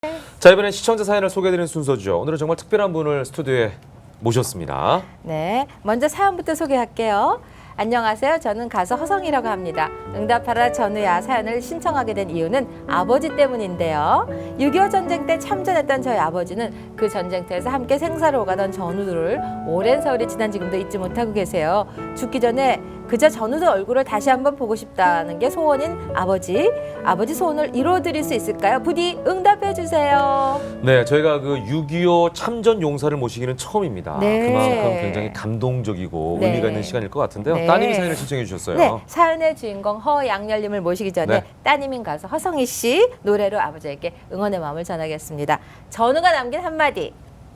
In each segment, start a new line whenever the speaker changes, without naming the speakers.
자, 이번엔 시청자 사연을 소개해드리는 순서죠. 오늘은 정말 특별한 분을 스튜디오에 모셨습니다.
네, 먼저 사연부터 소개할게요. 안녕하세요. 저는 가수 허성이라고 합니다. 응답하라 전우야 사연을 신청하게 된 이유는 아버지 때문인데요. 6.25 전쟁 때 참전했던 저희 아버지는 그 전쟁터에서 함께 생사를 오가던 전우들을 오랜 세월이 지난 지금도 잊지 못하고 계세요. 죽기 전에 그저 전우들 얼굴을 다시 한번 보고 싶다는 게 소원인 아버지. 아버지 소원을 이루어드릴 수 있을까요? 부디 응답해 주세요.
네, 저희가 그 6.25 참전 용사를 모시기는 처음입니다.
네.
그만큼 굉장히 감동적이고
네.
의미가 있는 시간일 것 같은데요.
네.
따님이 사연을 신청해 주셨어요.
네, 사연의 주인공 허양열님을 모시기 전에
네.
따님인 가수 허성희 씨 노래로 아버지에게 응원의 마음을 전하겠습니다. 전우가 남긴 한마디.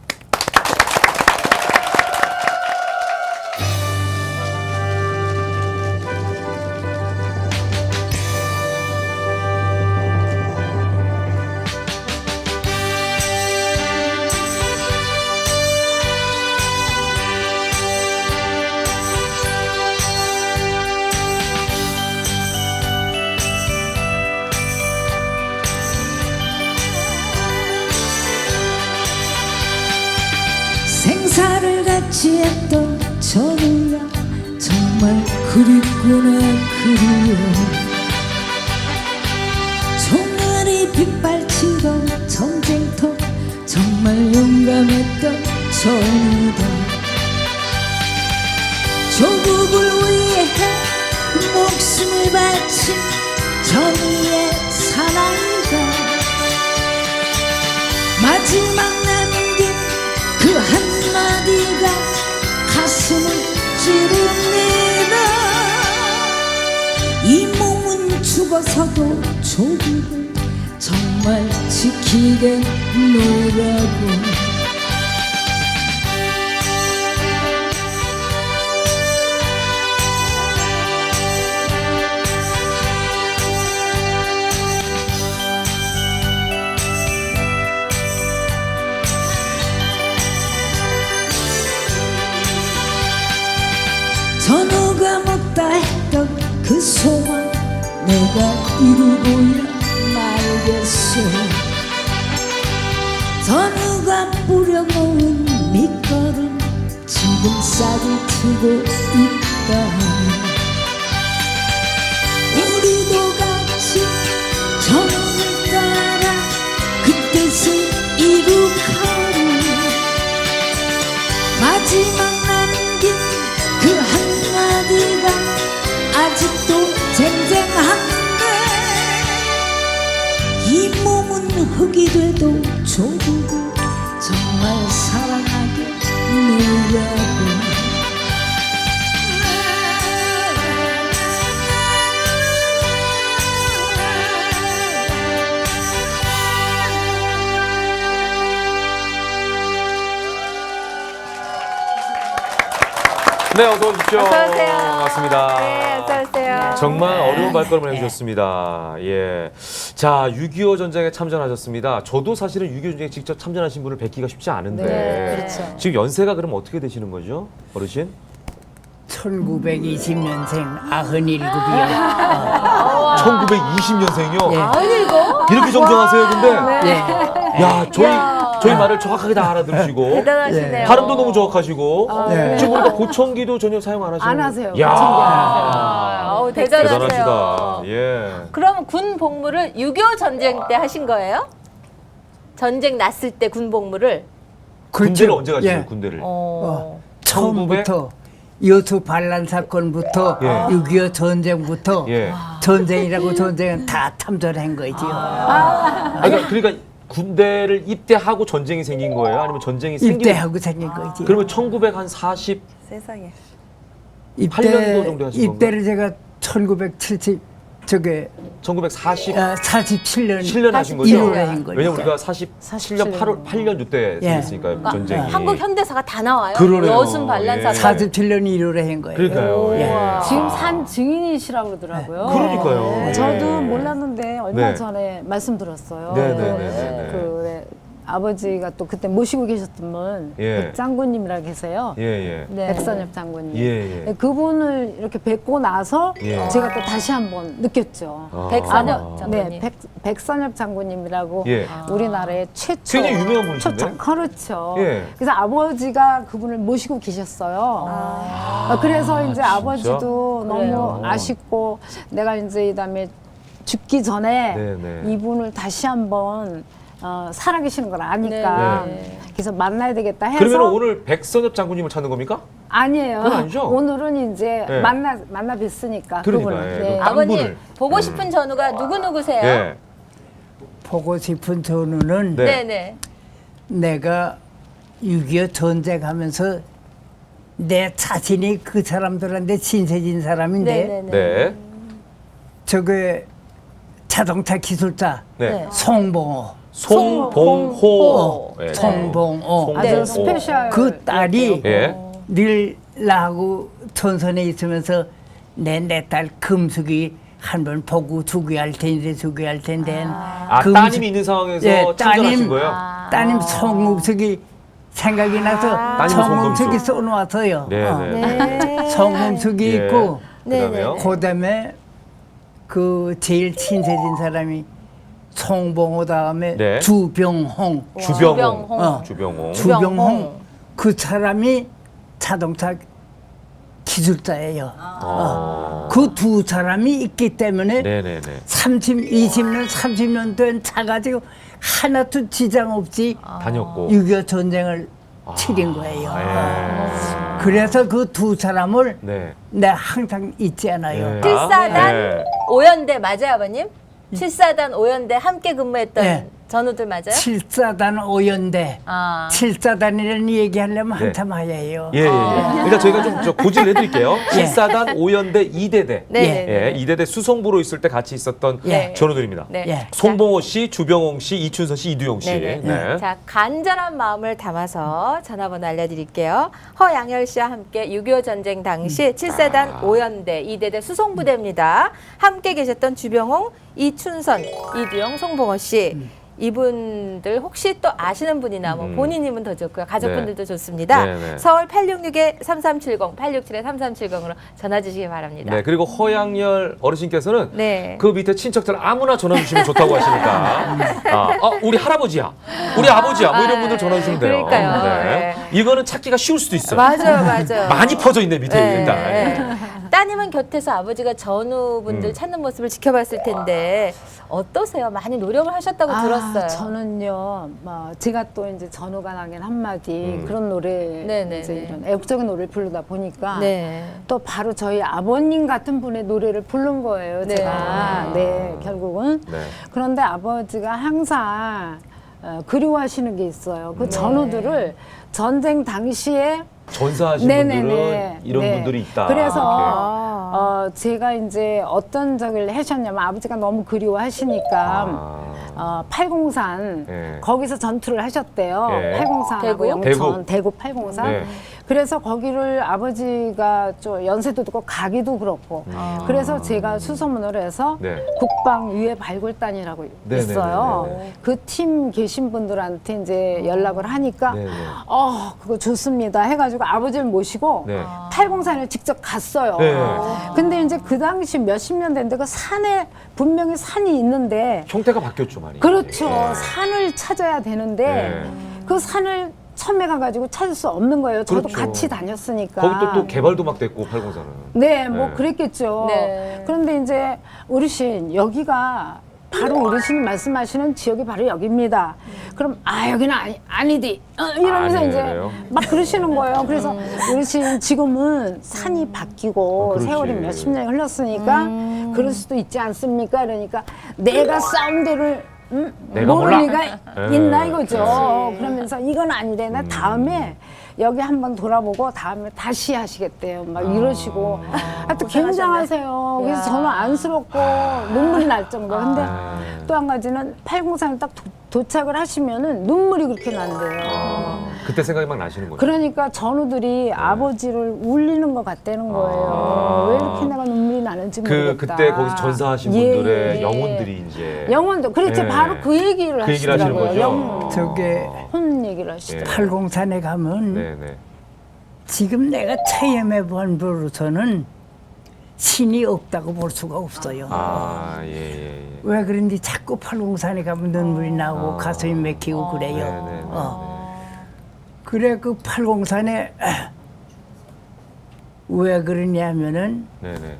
생사를 같이 했던 전우야 정말 그립구나 그리워. 총알이 빗발치던 전쟁터 정말 용감했던 전우다. 조국을 위해 목숨을 바친 전우의 사랑이다. 마지막 남긴 그 한마디가 가슴을 찌릅니다. 이 몸은 죽어서도 조국을 정말 지키겠노라고. 전우가 못다 했던 그 소원 내가 이루고야 말겠소. 전우가 뿌려놓은 밑거름 지금 싹이 트고 있다. 우리도 같이 전우를 따라 그 뜻을 이룩하리. 마지막 남긴 그 한마디가 아직도 쟁쟁한데. 이 몸은 흙이 돼도 조국을 정말 사랑하게 노라고.
네, 어서 오십시오.
어서 오세요.
반갑습니다.
네, 어서 오세요.
정말
네.
어려운 발걸음을 해주셨습니다. 예. 자, 6.25 전쟁에 참전하셨습니다. 저도 사실은 6.25 전쟁에 직접 참전하신 분을 뵙기가 쉽지 않은데.
네, 그렇죠.
지금 연세가 그럼 어떻게 되시는 거죠? 어르신?
1920년생 97이요.
1920년생이요?
예.
아니고
이렇게 정정하세요, 근데?
예.
야, 저희 말을 정확하게 다 알아들으시고.
대단하시네요.
발음도 너무 정확하시고.
네.
지금 보니까 보청기도 전혀 사용 안 하시는
안 하세요.
야,
보청기 안
어우, 대단하세요.
대단하시다. 예.
그럼 군 복무를 6.25 전쟁 때 하신 거예요? 전쟁 났을 때 군 복무를?
군대를 언제 가시죠?
예.
군대를?
처음부터 여수 반란 사건부터
예.
6.25 전쟁부터
예.
전쟁이라고 전쟁은 다 참전한 거지요.
그러니까 군대를 입대하고 전쟁이 생긴 거예요? 아니면 전쟁이 생기고?
입대하고 생긴 거지.
그러면 1940
세상에.
8년도 정도 하신
입대를 제가 1970 저게
1940
47년
7년 하신 거죠?
1월에 한 거죠.
왜냐면 우리가 47년 8년 이때
예.
생겼으니까요. 전쟁이.
한국 현대사가 다 나와요.
그러네요.
여순 반란
예.
사건.
47년 1월에 한 거예요.
그러니까요. 예.
지금 산 증인이시라고 그러더라고요.
그러니까요. 예.
저도 몰랐는데 얼마
네.
전에 말씀 들었어요.
네네네네.
그래, 아버지가 또 그때 모시고 계셨던 분
예.
백장군님이라 계세요.
예, 예.
네.
백선엽 장군님.
예, 예.
그분을 이렇게 뵙고 나서
예.
제가 또 다시 한번 느꼈죠.
아.
백선엽 장군님.
네, 백선엽 장군님이라고
예.
우리나라의 최초
굉장히 유명한 분이신데?
초청, 그렇죠.
예.
그래서 아버지가 그분을 모시고 계셨어요. 그래서 이제
진짜?
아버지도
그래요.
너무 아쉽고 내가 이제 이다음에 죽기 전에
네, 네.
이분을 다시 한번 살아계시는 걸 아니까
네.
그래서 만나야 되겠다 해서
그러면 오늘 백선엽 장군님을 찾는 겁니까?
아니에요.
그건 아니죠?
오늘은 이제
네.
만나 뵀으니까
그러니까,
그분을.
예.
아버님
분을.
보고 싶은 전우가 누구 누구세요?
예.
보고 싶은 전우는
네.
네네.
내가 6.25 전쟁하면서 내 자신이 그 사람들한테 친세진 사람인데
네네네.
네.
저게 자동차 기술자
네.
네.
송봉호
송봉호. 예.
송봉호
아주
송봉호.
스페셜.
그 딸이
예.
늘 나하고 전선에 있으면서 내 딸 금숙이 한번 보고 주기할 텐데
아, 따님이 있는 상황에서
예,
참전하신 거예요?
따님 송금숙이 생각이 나서
따님
송금숙이
송금숙.
써놓았어요.
네, 네.
네.
송금숙이
예.
있고
그다음에요?
그다음에 그 제일 친세진 사람이 송봉호 다음에
네.
주병홍.
주병홍.
주병홍.
주병홍.
주병홍 그 사람이 자동차 기술자예요.
아.
그 두 사람이 있기 때문에
네네네.
20년, 30년 된 차 가지고 하나도 지장 없이
다녔고.
6.25 전쟁을 치른 거예요.
예.
그래서 그 두 사람을
네.
내가 항상 잊지 않아요.
네.
칠사단
네.
오연대 맞아요, 아버님? 7사단 5연대 함께 근무했던
네.
전우들 맞아요?
7사단 5연대.
아.
7사단이라는 얘기하려면
네.
한참 하야해요.
예, 예, 예. 그러니까 저희가 좀 고지를 해드릴게요.
예.
7사단 5연대 2대대.
네.
예, 2대대 수송부로 있을 때 같이 있었던
예.
전우들입니다.
네.
예.
송봉호 씨, 주병홍 씨, 이춘선 씨, 이두용 씨.
네네.
네.
자, 간절한 마음을 담아서 전화번호 알려드릴게요. 허양열 씨와 함께 6.25 전쟁 당시 7사단 5연대 2대대 수송부대입니다. 함께 계셨던 주병홍, 이춘선, 이두용, 송봉호 씨. 이분들 혹시 또 아시는 분이나 뭐 본인이면 더 좋고요. 가족분들도 좋습니다.
네네.
서울 866-3370, 867-3370으로 전화 주시기 바랍니다.
네, 그리고 허양열 어르신께서는
네.
그 밑에 친척들 아무나 전화 주시면 좋다고 하시니까 우리 할아버지야, 우리 아버지야, 뭐 이런 분들 전화 주시면 돼요.
그러니까요.
네. 이거는 찾기가 쉬울 수도 있어요.
맞아요, 맞아요.
많이 퍼져 있네 밑에
네,
일단.
네. 따님은 곁에서 아버지가 전우분들 찾는 모습을 지켜봤을 텐데 어떠세요? 많이 노력을 하셨다고 들었어요.
저는요, 제가 또 이제 전우가 나긴 한마디 그런 노래,
네네,
이제
네.
이런 애국적인 노래를 부르다 보니까
네.
또 바로 저희 아버님 같은 분의 노래를 부른 거예요,
네.
제가. 네, 결국은.
네.
그런데 아버지가 항상 그리워하시는 게 있어요. 그 전우들을 전쟁 당시에
전사하신 분들은 이런
네.
분들이 있다.
그래서 제가 이제 어떤 적을 하셨냐면 아버지가 너무 그리워하시니까 803
네.
거기서 전투를 하셨대요.
네.
803하고
대구?
영천, 대구 803.
네.
그래서 거기를 아버지가 좀 연세도 듣고 가기도 그렇고 그래서 제가 수소문을 해서
네.
국방유해 발굴단이라고
네네네네.
있어요. 그 팀 계신 분들한테 이제 연락을 하니까
네네.
그거 좋습니다 해가지고 아버지를 모시고
네.
803을 직접 갔어요.
네.
근데 이제 그 당시 몇십 년 됐는데 그 산에 분명히 산이 있는데
형태가 바뀌었죠 많이.
그렇죠.
네.
산을 찾아야 되는데
네.
그 산을 처음에 가가지고 찾을 수 없는 거예요. 저도
그렇죠.
같이 다녔으니까.
거기 또 개발도 막 됐고 804는.
네, 뭐
네.
그랬겠죠.
네.
그런데 이제 어르신 여기가 바로 어르신이 말씀하시는 지역이 바로 여기입니다. 그럼 여기는 아니디 이러면서
아니에요.
이제 막 그러시는 거예요. 그래서 어르신 지금은 산이 바뀌고
그렇지.
세월이 몇십 년이 흘렀으니까 그럴 수도 있지 않습니까? 그러니까 내가 싸운 데를
내가
모를
몰라.
리가
네.
있나 이거죠. 그러면서 이건 아닌데 나 다음에 여기 한번 돌아보고 다음에 다시 하시겠대요. 막 이러시고 하여튼 굉장하세요. 그래서 저는 안쓰럽고 눈물이 날 정도. 근데 또 한 가지는 803을 딱 도착을 하시면은 눈물이 그렇게 난대요.
그때 생각이 막 나시는 거죠.
그러니까 전우들이 아버지를 울리는 것 같다는 거예요. 왜 이렇게 내가 눈물이 나는지 모르겠다.
그때 거기서 전사하신 분들의 영혼들이 이제
영혼도 그렇지
예.
바로 그 얘기를
그 얘기를 하시는
하시더라고요.
거죠.
영혼.
저게
혼 얘기를 하시더라고요.
팔공산에 가면
네네.
지금 내가 체험해 본 부로서는 신이 없다고 볼 수가 없어요.
아, 예.
왜 그런지 자꾸 팔공산에 가면 눈물이 나고 가슴이 막히고 그래요.
네네.
그래 그 팔공산에 왜 그러냐면은
네네.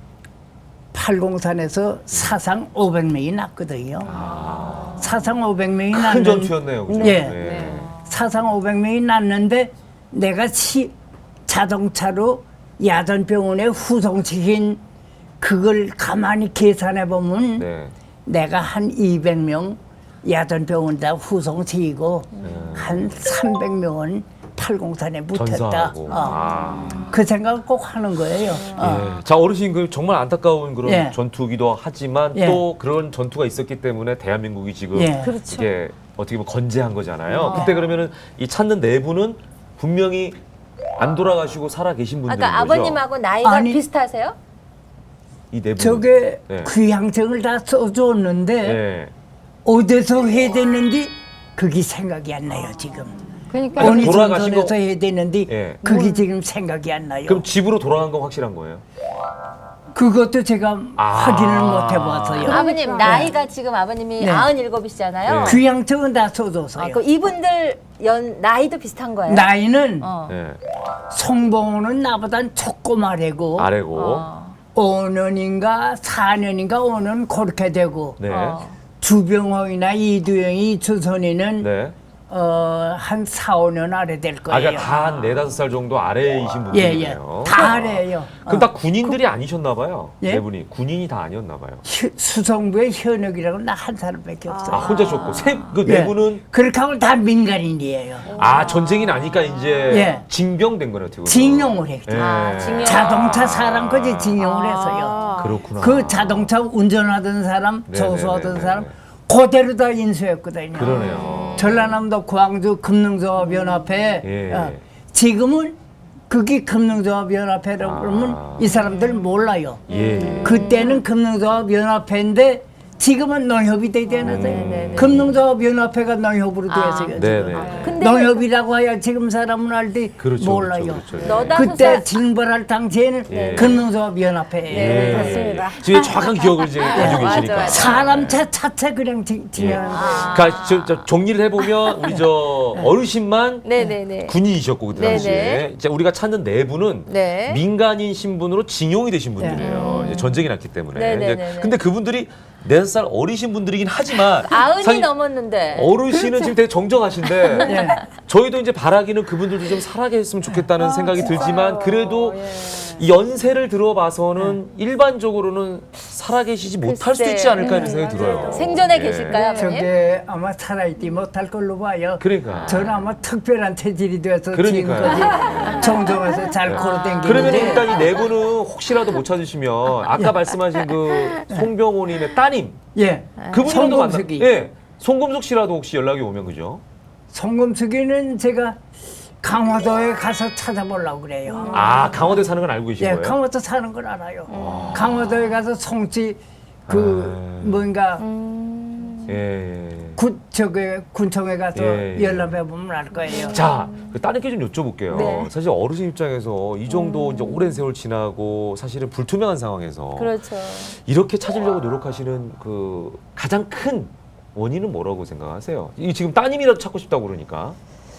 팔공산에서 사상 500명이 났거든요. 사상 500명이
큰
났는데
전투였네요, 그죠?
예.
네.
사상 500명이 났는데 내가 자동차로 야전병원에 후송시킨 그걸 가만히 계산해 보면
네.
내가 한 200명 야전병원에다 후송시키고 한 300명은 팔공산에 묻혔다.
전사하고.
그 생각을 꼭 하는 거예요.
예. 자, 어르신 그 정말 안타까운 그런
예.
전투기도 하지만
예.
또 그런 전투가 있었기 때문에 대한민국이 지금
예.
그렇죠.
이게 어떻게 보면 건재한 거잖아요. 그때 그러면은 이 찾는 네 분은 분명히 안 돌아가시고 살아 계신 분들인
아까
거죠.
아버님하고 나이가
아니,
비슷하세요?
이 네 분.
저게
네.
귀향증을 다 써줬는데
네.
어디서 해야 되는지 그게 생각이 안 나요 지금.
그러니까
어느
돌아가신
전선에서
거-
해야 되는데
예.
그게 지금 생각이 안 나요.
그럼 집으로 돌아간 건 확실한 거예요?
그것도 제가 확인을 못 해봐서요.
아버님 나이가 지금 아버님이
네.
97이시잖아요.
네.
귀향증은 다 써줘서요.
그 이분들 나이도 비슷한 거예요?
나이는
어.
네.
송봉호는 나보단 조그마래고
아래고.
5년인가 4년인가 5년 그렇게 되고
네.
주병호이나 이두영이 주선이는
네.
한 4, 5년 아래 될
아,
거예요.
그러니까 다 한 4-5살 정도 아래이신
예예.
분들이네요.
다 아래예요.
그럼 다 군인들이 아니셨나 봐요.
예?
네 분이 군인이 다 아니었나 봐요.
수성부의 현역이라고 나 한 사람밖에 없어요.
아, 혼자 셨고 그 네
예.
분은
그렇게 하면 다 민간인이에요.
아, 전쟁이 나니까 이제
예.
징병된 거네요, 어떻게 보면.
징용을 했죠.
예.
징용.
자동차 사람까지 징용을 해서요.
그렇구나.
그 자동차 운전하던 사람,
네네네네.
조수하던 사람 그대로 다 인수했거든요.
그러네요.
전라남도 광주 금능조합연합회
예.
지금은 그게 금능조합연합회라고 그러면 이 사람들 몰라요.
예.
그때는 금능조합연합회인데 지금은 농협이 되잖아요. 금능조합연합회가 농협으로 되었어요.
네네.
근데
농협이라고 해야 지금 사람은 알지
그렇죠,
몰라요.
그렇죠, 그렇죠.
너다소사
그때 징벌할 당시에는
예.
금능조합연합회예요.
예.
맞습니다.
지금 정확한 기억을 이제 가지고
맞아,
계시니까.
맞아.
사람 차차 그냥 징하는 거예요.
그러니까 저 정리를 해보면 우리 저 어르신만
네네네.
군인이셨고 그때 당시에
네네.
이제 우리가 찾는 네 분은
네.
민간인 신분으로 징용이 되신 분들이에요. 이제 전쟁이 났기 때문에.
네네네네.
이제 근데 그분들이 4살 어리신 분들이긴 하지만
90이
사실
넘었는데.
어르신은 지금 되게 정정하신데
예.
저희도 이제 바라기는 그분들도 좀 살아계셨으면 좋겠다는 생각이 들지만 그래도
예.
이 연세를 들어봐서는 일반적으로는 살아계시지 못할 수도 있지 않을까 이런 생각이 들어요.
생전에
예.
계실까요, 아버님?
저게 아마 살아있지 못할 걸로 봐요.
그러니까.
저는 아마 특별한 체질이 돼서
그러니까요.
지금까지 정정해서 잘 걸어
그러면
댕기는데
일단 이 네 분은 혹시라도 못 찾으시면 아까 말씀하신 그 송병호님의 따님
예.
그분이라도 만나.
송금숙이.
예. 송금숙 씨라도 혹시 연락이 오면 그죠?
송금숙이는 제가 강화도에 가서 찾아보려고 그래요.
아 강화도에 사는 건 알고 계신
예,
거예요?
강화도 사는 걸 알아요. 강화도에 가서 송치 뭔가
예.
군청에 가서
예.
연락해 보면 알 거예요.
자, 그 따님께 좀 여쭤볼게요.
네.
사실 어르신 입장에서 이 정도 이제 오랜 세월 지나고 사실은 불투명한 상황에서
그렇죠.
이렇게 찾으려고 노력하시는 그 가장 큰 원인은 뭐라고 생각하세요? 이 지금 따님이라도 찾고 싶다고 그러니까.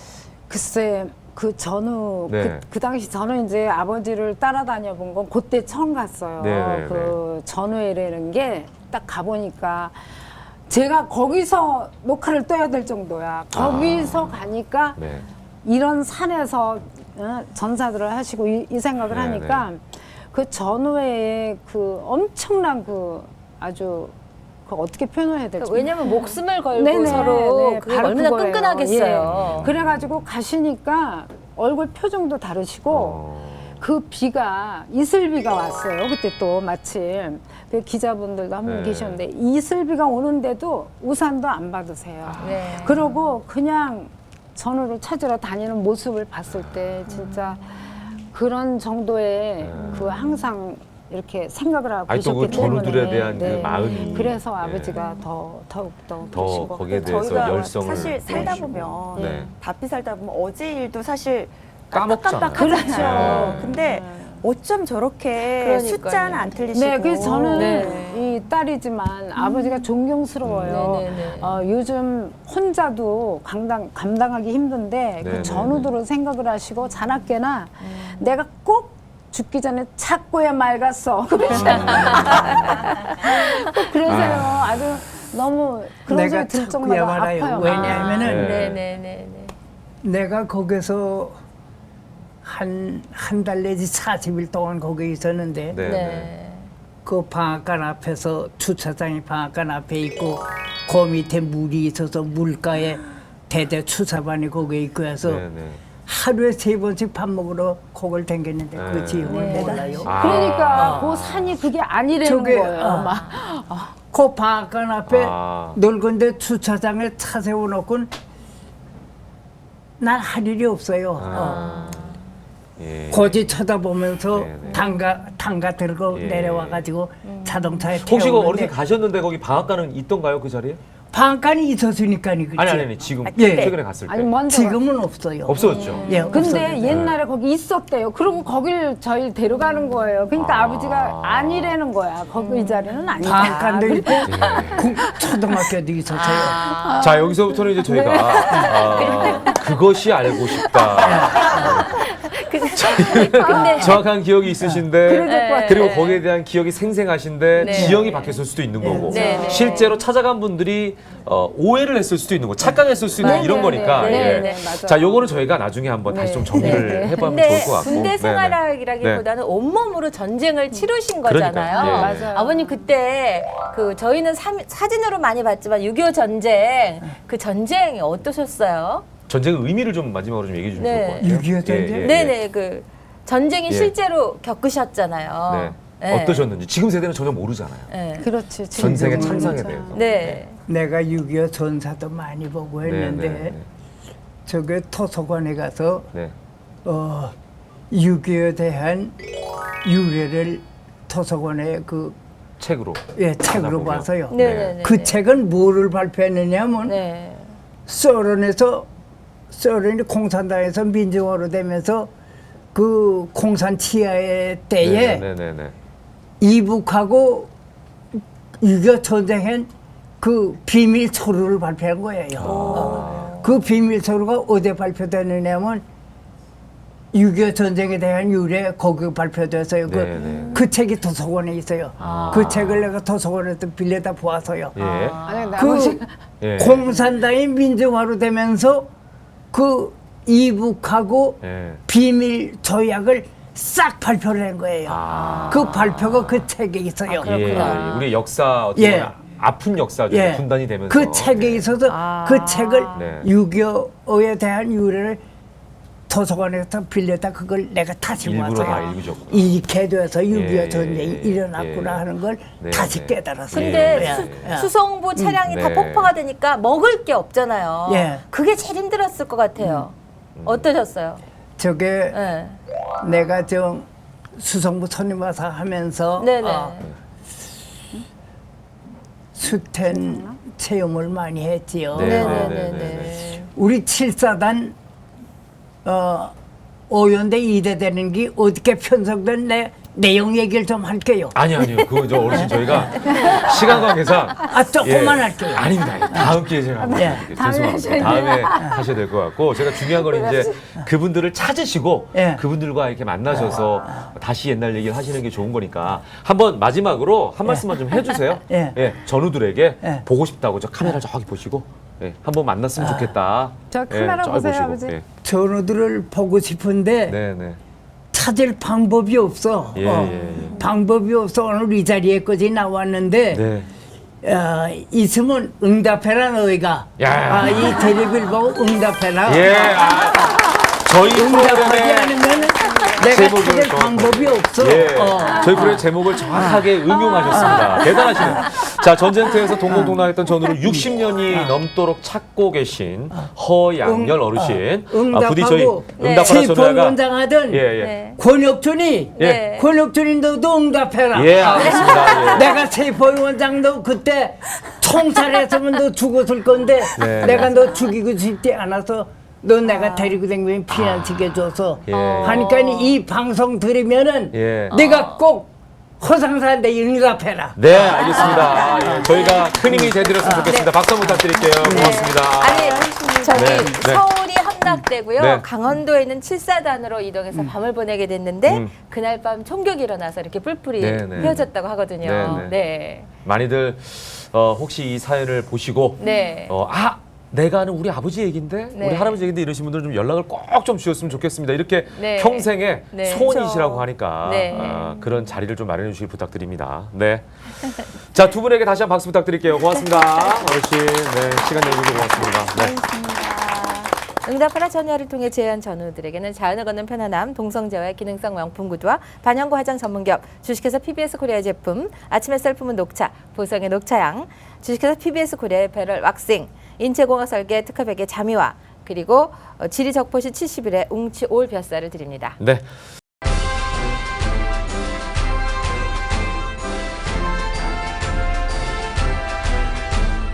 글쎄 그 전후
네.
그 당시 저는 이제 아버지를 따라다녀 본 건 그때 처음 갔어요.
네.
그 전후회라는 게 딱 가보니까 제가 거기서 녹화를 떠야 될 정도야. 거기서 가니까
네.
이런 산에서 전사들을 하시고 이 생각을
네,
하니까 그 전후회에 그 엄청난 그 아주 그 어떻게 표현해야 될지
왜냐면 목숨을 걸고
네네,
서로
네,
그게
바로
얼마나
그거예요.
끈끈하겠어요.
예. 그래가지고 가시니까 얼굴 표정도 다르시고 그 비가 이슬비가 왔어요. 그때 또 마침 그 기자분들도 한 분
네.
계셨는데 이슬비가 오는데도 우산도 안 받으세요.
네.
그러고 그냥 전우를 찾으러 다니는 모습을 봤을 때 진짜 그런 정도의 그 항상 이렇게 생각을 하고
아니, 또 그
계셨기 때문에
전우들에 대한 그 마음이.
그래서
네.
아버지가 더욱더
더 거기에 대해서
저희가
열성을
사실 살다
보이시고.
보면
네.
바삐 살다 보면 어제 일도 사실
까먹잖아요.
깜빡깜빡하잖아요.
그렇죠.
근데 어쩜 저렇게
그러니까요.
숫자는 안 틀리시고.
네, 그래서 저는
네.
이 딸이지만 아버지가 존경스러워요.
네네네.
요즘 혼자도 감당하기 힘든데
네네네.
그 전우들을 생각을 하시고 자나깨나 내가 꼭 죽기 전에 찾고야 말갔어. 꼭 그러세요. 아주 너무 그런
내가
소리 들
찾고야
정도로
말아요.
아파요.
왜냐하면은
네.
네네네.
내가 거기서 한 달 내지 40일 동안 거기 있었는데
네.
네.
그 방앗간 앞에서 주차장이 방앗간 앞에 있고 그 밑에 물이 있어서 물가에 대대 추사반이 거기에 있고 해서
네, 네.
하루에 3번씩 밥 먹으러 거길 댕겼는데
네.
그 지형을 몰라요.
아.
그러니까 그 산이 그게 아니라는
저게,
거예요. 막.
그 방앗간 앞에
아.
넓은데 주차장에 차 세워놓고 난 할 일이 없어요.
예.
고지 쳐다보면서
네네.
당가 들고
예.
내려와가지고 자동차에
혹시 그 어르신
태우는데
가셨는데 거기 방앗간은 있던가요, 그 자리에?
방앗간이 있었으니까 그렇지.
아니 지금
예.
최근에 갔을 때
아니 먼저
지금은 없어요.
없어졌죠.
예,
근데
없어요.
옛날에 거기 있었대요. 그러고 거길 저희 데려가는 거예요. 그러니까
아.
아버지가 아니라는 거야. 거기 이 자리는 아니다.
방앗간도 있고
예.
초등학교도 있었어요.
자 여기서부터는 이제 저희가 그것이 알고 싶다.
근데
정확한 기억이 있으신데
그래야 될 것 같아요.
그리고 거기에 대한 기억이 생생하신데
네.
지형이 바뀌었을 수도 있는 거고
네, 네.
실제로 찾아간 분들이 오해를 했을 수도 있는 거, 착각했을 수 있는
네,
이런
네,
거니까.
네,
예.
네, 네, 맞아요.
자, 요거는 저희가 나중에 한번 다시 좀 정리를
네, 네.
해보면
근데
좋을 것 같고.
군대
네, 네.
생활이라기보다는 온몸으로 전쟁을 치르신 거잖아요.
그러니까요. 예.
맞아요.
아버님 그때 그 저희는 사진으로 많이 봤지만 6.25 전쟁 그 전쟁이 어떠셨어요?
전쟁의 의미를 좀 마지막으로 좀 얘기해 주면
네.
좋을 것 같아요.
6.25 전쟁?
예, 예,
네네 그 전쟁이
예.
실제로 겪으셨잖아요.
네.
네.
어떠셨는지 지금 세대는 전혀 모르잖아요.
네.
그렇지. 지금
전생의
그렇죠.
참상에 대해서.
네.
내가 6.25 전사도 많이 보고 했는데
네.
저게 도서관에 가서
네.
6.25에 대한 유래를 도서관에 그
책으로.
책으로
찾아보면.
봐서요.
네네네.
그 책은 뭐를 발표했느냐면
네.
소련이 공산당에서 민주화로 되면서 그 공산 치하의 때에
네네네.
이북하고 6.25 전쟁한 그 비밀 서류를 발표한 거예요. 그 비밀 서류가 어디에 발표되느냐면 6.25 전쟁에 대한 유래 거기 발표돼서요.
네네.
그 책이 도서관에 있어요. 그 책을 내가 도서관에서 빌려다 보아서요.
예.
아니, 근데
그
아버지
예.
공산당이 민주화로 되면서 그 이북하고
예.
비밀 조약을 싹 발표를 한 거예요. 그 발표가 그 책에 있어요.
예. 우리 역사 어떻게
예.
보면 아픈 역사죠.
예.
분단이 되면서.
그 책에
네.
있어서 그 책을
네.
6.25에 대한 유래를 도서관에서 빌려다 그걸 내가 다시
일부러 다
봐서
읽으셨구나.
이렇게 돼서 6.25
예,
전쟁이
예,
일어났구나
예.
하는 걸
네,
다시
네.
깨달았어요.
근데
예.
수송부 차량이 다
네.
폭파가 되니까 먹을 게 없잖아요.
예.
그게 제일 힘들었을 것 같아요. 어떠셨어요?
저게
네.
내가 좀 수성부 선임와사 하면서
네네.
수텐 체험을 많이 했지요.
네.
네네네.
우리 7사단 오연대 2대 되는 게 어떻게 편성된 내용 얘기를 좀 할게요.
아니요. 그거 저 어르신 저희가 시간 관계상
조금만 할게요.
아닙니다. 다음 기회에 제가 한번
예.
해드릴게요. 죄송합니다. 다음에 하셔야 될 것 같고 제가 중요한 건 이제 그분들을 찾으시고
예.
그분들과 이렇게 만나셔서 다시 옛날 얘기를 하시는 게 좋은 거니까 한번 마지막으로 한 말씀만 좀 해주세요.
예.
전우들에게
예.
보고 싶다고 저 카메라 저기 보시고 한번 만났으면 좋겠다.
저 카메라
저기
보세요,
보시고.
아버지.
예.
전우들을 보고 싶은데
네네.
찾을 방법이 없어.
예.
방법이 없어. 오늘 이 자리에까지 나왔는데
네.
있으면 응답해라 너희가.
야.
이 텔레비를 보고 응답해라.
예. 저희
응답하지
프로그램에
않으면 내가
제목을
찾을
정확하게.
방법이 없어.
예. 저희 프로의 제목을 정확하게 응용하셨습니다. 대단하시네요. 자, 전쟁터에서 동공동락했던 전우를 60년이 넘도록 찾고 계신 허양열 어르신. 부디 저희
응답하고
응답하라 전우야가
지법원장하던
예, 예.
네.
권혁준이
네.
권혁준이 너도 응답해라.
예, 알겠습니다. 예.
내가 세법원장도 그때 총살했으면 너 죽었을 건데
네.
내가 너 죽이고 싶지 않아서 너 내가 데리고 다니면 피난시켜줘서
예.
하니까 이 방송 들으면은
예.
내가 꼭 허상사한테 응답해라.
네, 알겠습니다. 예, 저희가 큰 힘이 되드렸으면 좋겠습니다. 박수 한번 부탁드릴게요. 고맙습니다.
아니 저기
네, 네.
서울이 함락되고요.
네.
강원도에 있는 7사단으로 이동해서 밤을 보내게 됐는데
음.
그날 밤 총격이 일어나서 이렇게 뿔뿔이
네, 네.
휘어졌다고 하거든요.
네, 네.
네.
많이들 혹시 이 사연을 보시고
네.
내가 아는 우리 아버지 얘긴데
네.
우리 할아버지 얘긴데 이러신 분들 좀 연락을 꼭 좀 주셨으면 좋겠습니다. 이렇게
네.
평생의
네.
소원이시라고 하니까
네.
그런 자리를 좀 마련해 주시길 부탁드립니다. 네. 자, 두 분에게 다시 한번 박수 부탁드릴게요. 고맙습니다. 어르신. 네, 시간 내주셔서 고맙습니다. 네.
응답하라 전야를 통해 제한 전우들에게는 자연을 걷는 편안함, 동성제와의 기능성 명품 구두와 반영구 화장 전문기업, 주식회사 PBS 코리아 제품, 아침 햇살 품은 녹차, 보성의 녹차향, 주식회사 PBS 코리아의 배럴 왁싱, 인체공학 설계 특허백의 자미와 그리고 지리적포시 70일의 웅치 올 벼쌀을 드립니다.
네.